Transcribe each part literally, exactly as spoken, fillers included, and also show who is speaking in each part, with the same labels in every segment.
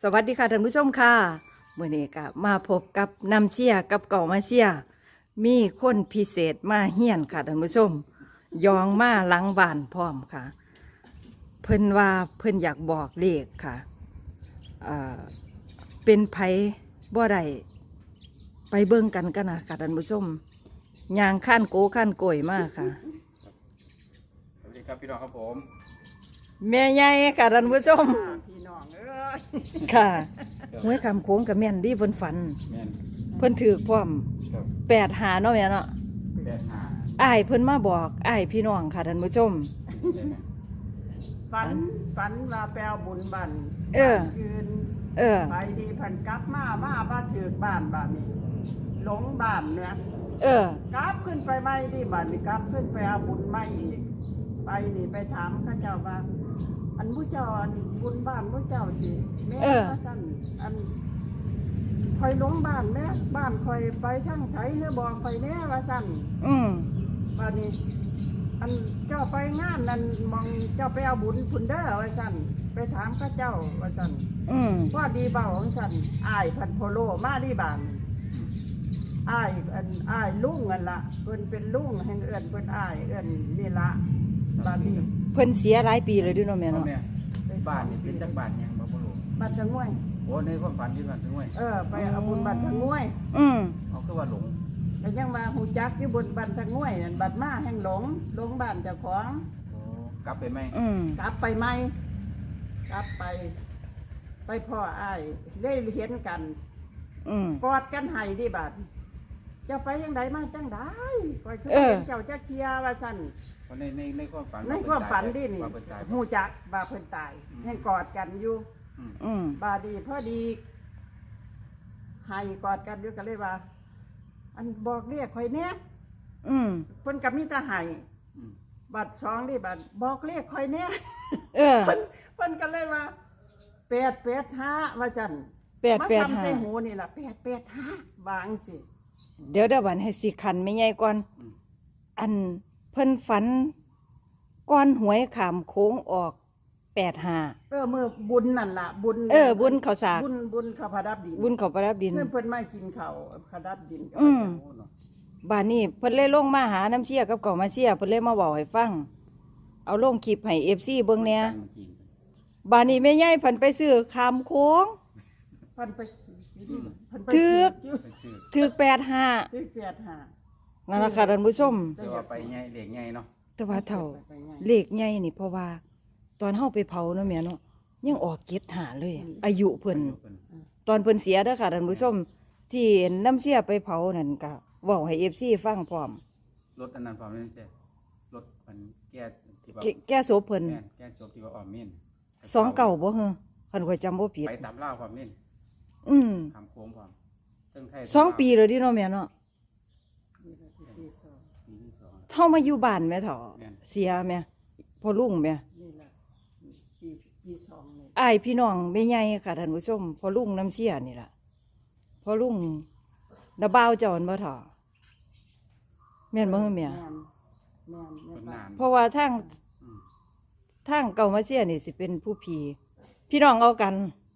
Speaker 1: สวัสดีค่ะท่านผู้ชมค่ะมื้อนี้ก็มาพบกับน้ำเชี่ยกับเก่ามาเชี่ยมีคนพิเศษมาเฮียนค่ะท่านผู้ชมยองมาหลังบ้านพร้อมค่ะเพิ่นว่าเพิ่นอยากบอกเลขค่ะเอ่อเป็นไผบ่ได้ไปเบิ่งกันกันนะค่ะท่านผู้ชมยางขั้นโกขั้นโกยมากค่ะ
Speaker 2: สวัสดีครับพี่น้องครับผม
Speaker 1: แม่ใหญ่ค่ะท่านผู้ชม
Speaker 3: พี่น้องเอ้ย
Speaker 1: ค่ะหวยคำโค้งกับแม่นดีเพิ่นฝัน
Speaker 2: แม่น
Speaker 1: เพิ่นถือพร้อม
Speaker 2: ครับ
Speaker 1: แปดหาเนาะแม่เนาะ
Speaker 2: แปดห้า
Speaker 1: อ้ายเพิ่นมาบอกอ้ายพี่น้องค่ะท่านผู้ชม
Speaker 2: ได้ไหม
Speaker 3: ฝันฝันว่าแปลวบุญบัน
Speaker 1: เออ
Speaker 3: ยืน
Speaker 1: เออ
Speaker 3: ไปดีพันกลับมามาบ้านถือบ้านบ้านนี้หลงบ้านเนี่ย
Speaker 1: เออก
Speaker 3: ลับขึ้นไปไม่ดีบ้านนี่กลับขึ้นไปเอาบุญไม่อีก ไปนี่ไปถามข้าเจ้าว่า อันผู้เจ้าอันบุญบ้านผู้เจ้าสิแม่ว่าสั่นอันคอยหลงบ้านแม่บ้านคอยไปทั้งไถเฮบอกคอยแน่ว่าสั่น
Speaker 1: อืม
Speaker 3: บ้านนี้อันเจ้าไปงานนั่นมองเจ้าไปเอาบุญพุนเด้อว่าสั่นไปถามข้าเจ้าว่าสั่น
Speaker 1: อืม
Speaker 3: ว่าดีเบาของสั่นอ้ายพันโพโลมาดีบานอ้ายอันอ้ายลุงกันละเพิ่นเป็นลุงแห่งเอื้อนเพิ่นอ้ายเอื้อนนี่ละบ้านนี้
Speaker 1: เพิ่นเสียหลายปีเลยเด้วยเนาะแม่
Speaker 2: พ่อ
Speaker 1: เนาะ
Speaker 2: แม่บ้านนี่เป็นจักบ้านยังบ่บ่รู้
Speaker 3: บ้านทางง่วย
Speaker 2: โอ้ในความฝันที่บ้านสงวย
Speaker 3: เออไปเอาบุญบ้านทางง่วย
Speaker 1: อืม
Speaker 2: เอาคือว่าหลง
Speaker 3: แต่ยังว่าหูจักอยู่บนบ้านทางง่วยนั่นบัดมาแห่งหลงหลงบ้านเจ้าของ
Speaker 2: โอ้กลับไปไหม
Speaker 1: อืม
Speaker 3: กลับไปไหมกลับไป ไปพ่ออ้ายได้เห็นกัน
Speaker 1: อืม
Speaker 3: กอดกันให้ดิบัดเจ้าไปยังไดมาจังได้คอยเคย
Speaker 1: เออ
Speaker 3: เห็นเจ้าจักเทียว่าซั่น
Speaker 2: เพราะในในในความฝัน
Speaker 3: ในความฝันดินี่
Speaker 2: ว่าเพิ่นตาย
Speaker 3: หูจักบาเพิ่นตายยังกอดกันอยู่
Speaker 2: อืม
Speaker 1: อืม
Speaker 3: บาดีพอดีให้กอดกันอยู่ก็เลยว่า อันบอกเรียกข่อยแน่
Speaker 1: อืม
Speaker 3: เพิ่นก็มีแต่ให้
Speaker 2: อืม
Speaker 3: บัดสองดิบัดบอกเรียกข่อยแน่
Speaker 1: เออ
Speaker 3: เพิ่นเพิ่นก็เลยว่าแปดแปดห้าว่าจัน
Speaker 1: แปด
Speaker 3: มา
Speaker 1: แปด
Speaker 3: ซ้ำ
Speaker 1: ห้า
Speaker 3: ใส่หูนี่ล่ะแปดแปดห้าวางสิ
Speaker 1: เดี๋ยวเดี๋ยววันให้สิคันไม่ใหญ่ก่อน
Speaker 2: อืม
Speaker 1: อันเพิ่นฝันก้อนหวยขามโค้งออกแปดหา
Speaker 3: เออมือบุญนั่นล่ะ บุญ
Speaker 1: เออบุญข้าวสาก
Speaker 3: บุญบุญข้าวพระดับดิน
Speaker 1: บุญเขาประดับดิน
Speaker 3: เพื่อนเพิ่นไม่กินข้าวพระดับดิน
Speaker 1: อืม
Speaker 2: โอ้เนาะ
Speaker 1: บ้านนี้เพิ่นเลยลงมาหาน้ำเชี่ยกับเก่ามาเชี่ยเพิ่นเลยมาบอกให้ฟัง เอาลงคลิปให้ เอฟ ซี เบิ่งแหน่
Speaker 2: ตั้มากิน
Speaker 1: บ้านนี้แม่ใหญ่เพิ่นไปซื้อขามโค้ง
Speaker 3: เพิ่นไปเพิ่นไป
Speaker 1: ถึก
Speaker 3: อยู่
Speaker 2: ไปซื้อ
Speaker 1: ถือแปดห้า
Speaker 3: ถึกแปดห้า
Speaker 1: นั่นล่ะค่ะท่านผู้ชม
Speaker 2: แต่ว่าไปใหญ่เด็กใหญ่เนาะ
Speaker 1: แต่ว่าเท่า
Speaker 3: ไปไง
Speaker 1: เลขใหญ่นี่เพราะว่า ตอนเฮาไปเผาเนาะแม่เนาะยังออกเก็ดหาเลย อายุเพิ่น
Speaker 2: อายุเพิ่น
Speaker 1: ตอนเพิ่นเสียเด้อค่ะท่านผู้ชม ที่น้ำเสียไปเผานั่นก็เว้าให้ เอฟ ซี ฟังพร้อม
Speaker 2: รถอันนั้นพร้อมนี่ใช่รถมันแก้ที่ว่า
Speaker 1: แกแก้โสเพิ่น
Speaker 2: แม่นแก้ศพที่ว่าออมมิน
Speaker 1: สองเก่าบ่เหรอคันข่อยจำบ่ผิด
Speaker 2: ไปตามล่าความมิน
Speaker 1: อืม
Speaker 2: ทำโค้งความเทิงไทย
Speaker 1: สองปีแล้วดิเนาะแม่เนาะ
Speaker 3: นี่ล่ะที่ที่สอง
Speaker 2: ปีที่สอง
Speaker 1: เฮามาอยู่บ้านแม่เฒ่า
Speaker 2: แม่น
Speaker 1: เสียแม่พ่อลุงแม่
Speaker 3: นี่ล่ะปีปีสองนี่
Speaker 1: อ้ายพี่น้องแม่ใหญ่ค่ะท่านผู้ชมพ่อลุงน้ำเสียนี่ล่ะพ่อลุงดาบ่าวเจ้าอันบ่เฒ่าแม่นบ่เฮอแม่
Speaker 3: แม่นแม่น
Speaker 2: คน
Speaker 3: แม่
Speaker 2: นาน
Speaker 1: เพราะว่าทาง
Speaker 2: อืม
Speaker 1: ทางเก่ามาเสียนี่สิเป็นผู้พี่พี่น้องเอากัน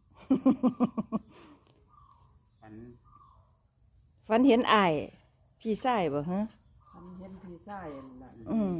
Speaker 2: ฝัน
Speaker 1: ฝันเห็นอ้ายพี่ชายบ่ฮะ
Speaker 3: ฉันเห็นพี่ชายนั่นล่ะ
Speaker 1: อืม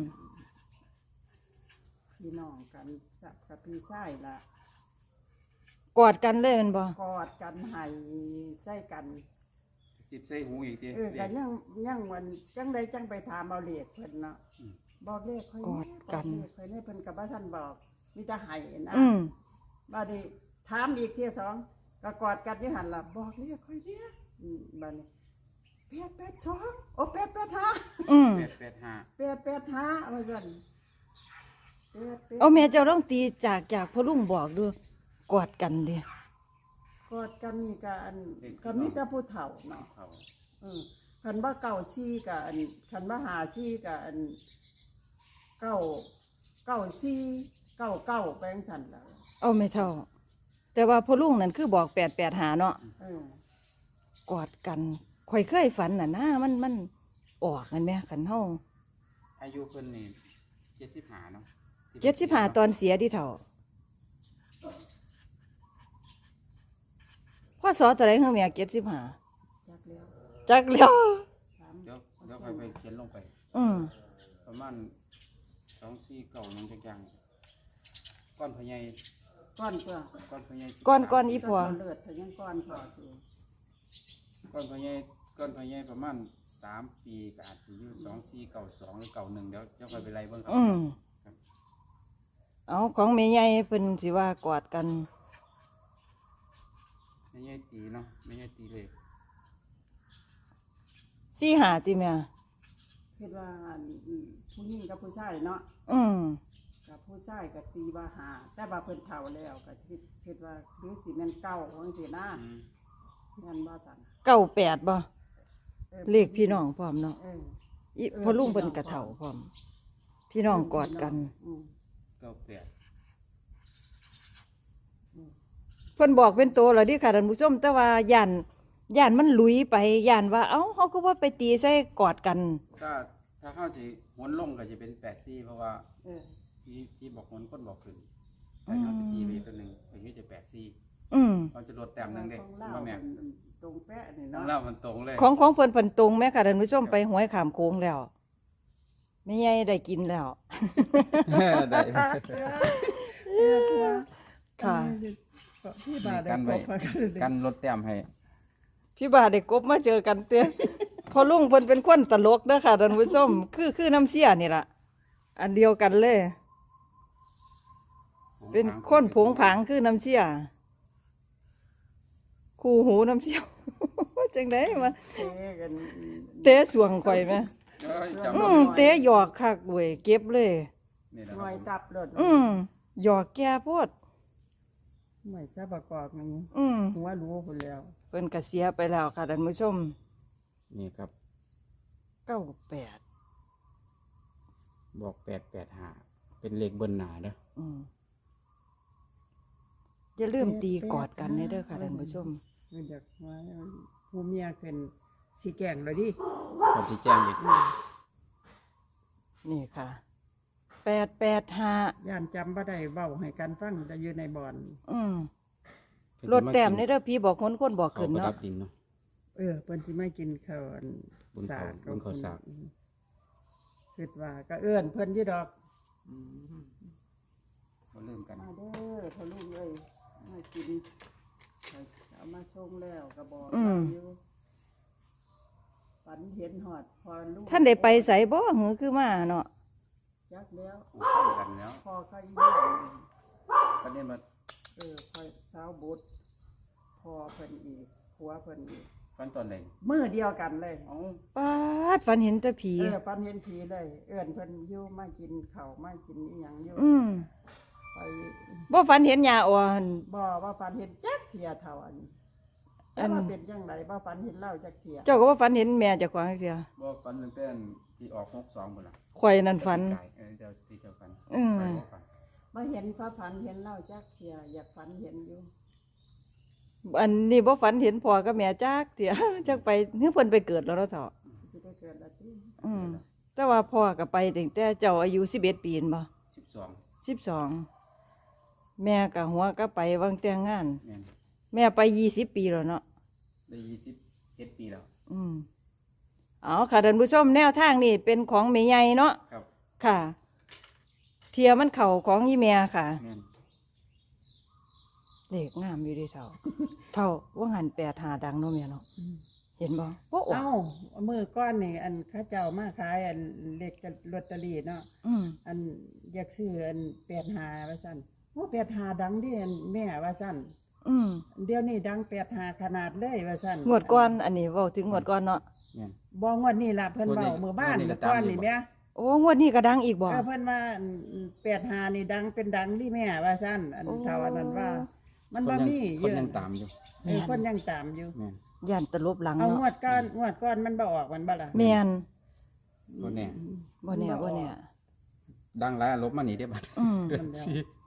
Speaker 3: พี่น้องกันกับกับพี่ชายล่ะ
Speaker 1: กอดกันเลยแมันบ่
Speaker 3: กอดกันให้ใส่กัน
Speaker 2: สิบใส่หูอีกที
Speaker 3: เออก็ยังยังวันจังใดจังไปถามเอาเลขเพิ่นเนาะ
Speaker 2: อืม
Speaker 3: บอกเลขค่อย
Speaker 1: กอดกัน
Speaker 3: บเลขค่อยนี่เพิ่นกับว่าท่านบอกมีแต่ให้นะ
Speaker 1: อืม
Speaker 3: บัดนี้ถามอีกเที่ยสองก็กอดกันอยู่หันล่ะบอกเลขค่อยเนี่ยอืมบัดนี้แปดแปดสองโอ้แปดแปดห้า
Speaker 1: อืม
Speaker 2: แปดแปดห้า
Speaker 3: แปดแปดห้าว่าซั่นแปดแปด
Speaker 1: เอาแม่เจ้าต้องตีจากจากพ่อลุงบอกดูกอดกันเด้
Speaker 3: กอดกันนี่ก็อันก็มีแต่ผู้เฒ่าเนาะ
Speaker 2: เขา
Speaker 3: อืมคันว่าเก่าซี่กับอันคันว่าหาซี่กับอันเก้าเก้าซี่เก้าเก้าแปลงสันแล้ว
Speaker 1: เอาไม่เท่า แต่ว่าพ่อลุงนั่นคือบอกแปดแปดหาเนาะ
Speaker 3: เออก
Speaker 1: อดกันข่อยเคยฝันน่ะนะมันมันออกกันไหมขันเฮา
Speaker 2: อายุเพิ่นนี่เจ็ดสิบห้าเนาะ
Speaker 1: เจ็ดสิบห้าตอนเสียที่เท่าพ่อสอตัวไหนเฮาแม่เจ็ดสิบห้า
Speaker 3: จักแล้ว
Speaker 1: จักแล้ว
Speaker 3: ถาม
Speaker 2: เดี๋ยวเดี๋ยวไปไปเขียนลงไป
Speaker 1: อืม
Speaker 2: ประมาณสองสี่เก่าหนึ่งจักอย่างก้อนพญาย
Speaker 3: ก้อนเพื่อ
Speaker 2: ก้อนพญาย
Speaker 1: ก่อนก่อนอี
Speaker 3: ก็
Speaker 1: พ่อ
Speaker 3: เลือดเพิ่นยังก้อนพออยู่
Speaker 2: ก้อนพญายก้อนพญายประมาณสามปีก็อาจจะอยู่สองสี่เก่าสองหรือเก่าหนึ่งเดี๋ยวเดี๋ยวไปไปไล่เบิ่งครับ
Speaker 1: อืมเอาของแม่ใหญ่เพิ่นสิว่ากอดกัน
Speaker 2: ไม่ใช่ตีเนาะไม่ใช่ตีเลย
Speaker 1: สี่หาติแม่
Speaker 3: คิดว่าอันผู้หญิงกับผู้ชายเนาะ
Speaker 1: อืม
Speaker 3: กับผู้ชายก็ตีว่าหาแต่ว่าเพิ่นเฒ่าแล้วก็คิดคิดว่าหรือสิแม่นเก่าจังซี่นะ
Speaker 2: อืม
Speaker 3: แม่นบ่ซั่น
Speaker 1: เก้าแปดบ่
Speaker 3: ออ
Speaker 1: เลขพี่น้องพร้อมเนาะ
Speaker 3: เออ
Speaker 1: อีพ่อลุงเพิ่นกระเฒ่าพร้อม พี่น้องกอดกัน
Speaker 3: อืม
Speaker 2: เก้าแปด
Speaker 1: เพิ่นบอกเป็นโตแล้วดิค่ะท่านผู้ชมแต่ว่าย่านย่านมันหลุยไปย่านว่าเอ้าเฮาก็ว่าไปตีใส่กอดกัน
Speaker 2: ถ้าถ้าเข้าจะหวนลงก็จะเป็นแปดสี่เพราะว่า
Speaker 3: เออ
Speaker 2: ที่ที่บอกหวนคนบอกขึ้นแต่เขาจะตีไปตัวหนึ่งอย่างนี้จะแปดสี่
Speaker 1: อืม
Speaker 2: เราจะลดแต้มหนึ่งเด้
Speaker 3: ของเรา
Speaker 2: ว่าแม่
Speaker 3: มันตรงแปะนี่
Speaker 2: ของ
Speaker 3: เนาะ
Speaker 2: เรามันตรงเลย
Speaker 1: ของของเพิ่นเพิ่นตรงแม่ค่ะท่านผู้ชมไปหวยขามโค้งแล้วแม่ใหญ่ได้กินแล้ว
Speaker 2: ได้
Speaker 3: เออตัว
Speaker 1: ค่ะ
Speaker 3: พี่บาทได้
Speaker 2: กัน
Speaker 3: ก
Speaker 2: ไว้
Speaker 3: บมากันเลย
Speaker 2: กันลดแต้มให้
Speaker 1: พี่บาได้กบมาเจอกันเต้พอลุงเพิ่นเป็นคนตลกเด้อค่ะท่านผู้ชมคือคือน้ำเสียนี่ล่ะอันเดียวกันเลย เป็นคนผงผางคือน้ำเสียคู่หูน้ำเสีย จังไดมา
Speaker 3: เตะกัน
Speaker 1: เตะสวงข่อยไหม
Speaker 2: เอ้ยจำ
Speaker 1: อื
Speaker 2: บ่
Speaker 1: ม
Speaker 2: ได้
Speaker 1: เตะหยอกคักเว้ยเก็บเลย
Speaker 2: นี่แหละ
Speaker 3: ห
Speaker 2: ค
Speaker 3: น่
Speaker 2: รั
Speaker 3: วย
Speaker 2: บผม
Speaker 3: ตับรถ
Speaker 1: อืมหยอกแก่โพด
Speaker 3: หน่วยจะประกอบนี่
Speaker 1: อืม
Speaker 3: หัวรู้คนแล้ว
Speaker 1: เพิ่นก็เสียไปแล้วค่ะท่านผู้ชม
Speaker 2: นี่ครับ
Speaker 1: เก้าแปด
Speaker 2: บอกแปดแปดห้าเป็นเลขเบิ้ลหนาเด้อ
Speaker 1: อืมอย่าลืมตีกอดกันเด้อค่ะท่านผู้ชม
Speaker 3: มันอยากว่าผู้เมียเป็นสีแกงเลยดิ
Speaker 2: ขอชี้แจงอีก
Speaker 1: นี่ค่ะแปดแปดห้า
Speaker 3: ย่านจำบ่ได้เบ้าให้กันฟังแต่อยู่ในบ่อน
Speaker 1: อืมรถแต้มในเด้อพี่บอกคนคนบอก
Speaker 2: เขา
Speaker 1: ขึ้น
Speaker 2: ประดั
Speaker 1: เนาะ
Speaker 2: บดินเนาะ
Speaker 3: เออเพิ่นสิไม่กินข้าวอัน
Speaker 2: บุญเขาบุญเขาสาก
Speaker 3: คิดว่าก็เอื้อนเพิ่นอยู่ดอก
Speaker 2: มาเริ่มกัน
Speaker 3: มาเด้อพ่อลูกเอ้ยมากินเอามาส่งแล้วก็บอก
Speaker 1: อืม
Speaker 3: อยู่ฝันเห็นหอดพอลูก
Speaker 1: ท่านได้ไปใส่บ่หือคือมาเนาะ
Speaker 3: จักแล้ว
Speaker 2: เข้ากันแล้ว
Speaker 3: พอเขาอีเลี้ยง
Speaker 2: ก็เนี่ยมา
Speaker 3: เออคอยสาวบุตรพอเพิ่นอีกผัวเพิ่นอีก
Speaker 2: ฟันตอนไหน
Speaker 3: มือเดียวกันเลย
Speaker 2: เอ้า
Speaker 1: ป้าดฝันเห็นแต่ผี
Speaker 3: เออฝันเห็นผีเลย เอื้อนเพิ่นอยู่มากินข้าวมากินอีหยังอยู่
Speaker 1: อืม
Speaker 3: ไป
Speaker 1: บ่ฝันเห็นยาอ่อน
Speaker 3: บ่ว่าฝันเห็นจักเทียเท่าอันนี้
Speaker 1: อั
Speaker 3: แต่
Speaker 1: น
Speaker 3: ว่าเป็นจังไดบ่ฝันเห็นเล่าจักเทีย
Speaker 1: เจ้าก็ว่าฝันเห็นแม่เจ้าของเสีย
Speaker 2: บอกฟันตั้งแต่ที่ออกหกสองหมดละ
Speaker 1: ข่อยนั่นฝัน
Speaker 2: ไก่เออเจ้าที่เจ้าฟัน
Speaker 1: อืม
Speaker 2: ไปบอกฟัน
Speaker 3: บ่เห็นพระฝันเห็นเล่าจักเทียอยากฝันเห็นอยู่
Speaker 1: อันนี้บ่ฝันเห็นพ่อกับแม่จักเถีย จักไปคือเพิ่นไปเกิดแล้วเนาะเฒ่า
Speaker 3: สิได้เกิดละติ
Speaker 1: อืมแต่ว่าพ่อก็ไปตั้งแต่เจ้าอายุสิบเอ็ดปีนั่นบ่
Speaker 2: สิบสอง
Speaker 1: สิบสองแม่ก็หัวก็ไปวางแต่งงาน
Speaker 2: แม่น
Speaker 1: แม่ไปยี่สิบปีแล้วเนาะ
Speaker 2: ได้ยี่สิบเอ็ดปีแล้ว
Speaker 1: อืมเอาค่ะท่านผู้ชมแนวทางนี่เป็นของแม่ใหญ่เนาะ
Speaker 2: ครับ
Speaker 1: ค่ะ เทียมันเข่าของยี่แม่ค่ะ
Speaker 2: แม่น
Speaker 1: เลขงามอยู่เดีเท่า เท่าว่าหันแปดหาดังเนาะแม่เนาะเห็นบ่โอ้โอ้
Speaker 3: เอ้ามือก้อนนี่อันเข้าเจ้ามาขายอันเลขลอตเตอรี่เนาะ
Speaker 1: อืม
Speaker 3: อันอยากซื้ออันแปดหาว่าซั่นโอ้แปดหาดังดิอันแม่ว่าซั่น
Speaker 1: อืม
Speaker 3: เดี๋ยวนี้ดังแปดหาขนาดเลยว่าซั่น
Speaker 1: งวดก่อนอันนี้เว้าถึงงวดก่อนเนาะ
Speaker 2: แม่น
Speaker 3: บ่งวดนี้ล่ะเพิ่นเว้ามื้อบ้าน
Speaker 2: งวดนี้ก็
Speaker 3: เมื่อก่อน
Speaker 2: ตามอยู่
Speaker 3: นี่
Speaker 2: บ่
Speaker 3: แม่
Speaker 1: โอ้งวดนี้ก็ดังอีกบ่
Speaker 3: เออเพิ่นว่าแปดหานี่ดังเป็นดังดิแม่ว่าซั่นอัน
Speaker 1: โอ้
Speaker 3: เท่าอันนั้นว่า มัน
Speaker 2: คน
Speaker 3: บ่
Speaker 2: ยัง
Speaker 3: มี
Speaker 2: ค
Speaker 3: เย
Speaker 2: น
Speaker 3: อะ
Speaker 2: ยังตามอยู่
Speaker 3: เออคนยังตามอยู่
Speaker 2: แม่น
Speaker 1: ย่านตลบหลัง
Speaker 3: เอางว
Speaker 1: เนาะ
Speaker 3: ดก้อนงวดก้อนมันบ่ออกมันบ่ล่ะ
Speaker 1: แม่น
Speaker 2: บ่แน่
Speaker 1: บ่แน่บ่แน่
Speaker 2: ดังหลายลบมานี่ได้บัด
Speaker 1: อืม
Speaker 3: มันแล้ว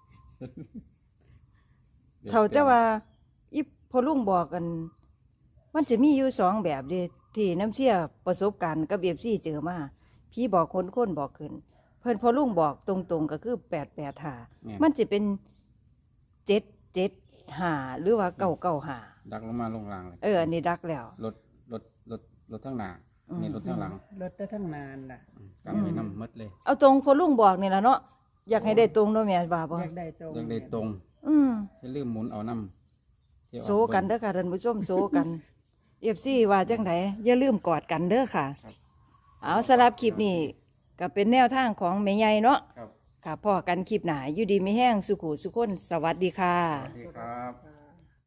Speaker 1: เท่าแต่ว่าอีพอลุงบอกกัน มันจะมีอยู่สองแบบเด้ที่น้ำเชี่ยประสบการณ์กับเอฟซีเจอมาพี่บอกคนคนบอกขึ้น เพิ่นพอลุงบอกตรงๆก็คือแปดแปดหา
Speaker 2: แม่น
Speaker 1: มันจะเป็นเจ็ดเจ็ดหาหรือว่าเก้าเก้าหา
Speaker 2: แดักลงมาลงรางเลย
Speaker 1: เอออันนี้ดักแล้ว
Speaker 2: รถรถรถรถทั้งหน้า
Speaker 1: อืม
Speaker 2: นี่รถทั้งหลัง
Speaker 3: รถได้ทั้งนานล่ะ
Speaker 2: กันไว้นำหมดเลย
Speaker 1: เอาตรงพอลุงบอกนี่ล่ะเนาะอยากให้ได้ตรงเนาะแม่บ่าบ่
Speaker 3: อยากได้ตรง
Speaker 2: ยังได้ตรง
Speaker 1: อืม
Speaker 2: อย่าลืมหมุนเอานำที่ออ
Speaker 1: โซกันเด้อค่ะท่านผู้ชมโซกัน เอฟซีว่าจังไดอย่าลืมกอดกันเด้อค่ะ
Speaker 2: ครับ
Speaker 1: เอาสำหรับคลิปนี้ก็เป็นแนวทางของแม่ใหญ่เนาะ
Speaker 2: ครับ
Speaker 1: ค่ะพ่อกันคลิปหนาอยู่ดีมีแห้งสุขุสุขคนสวัสดีค่ะ
Speaker 2: สวัสดีครับ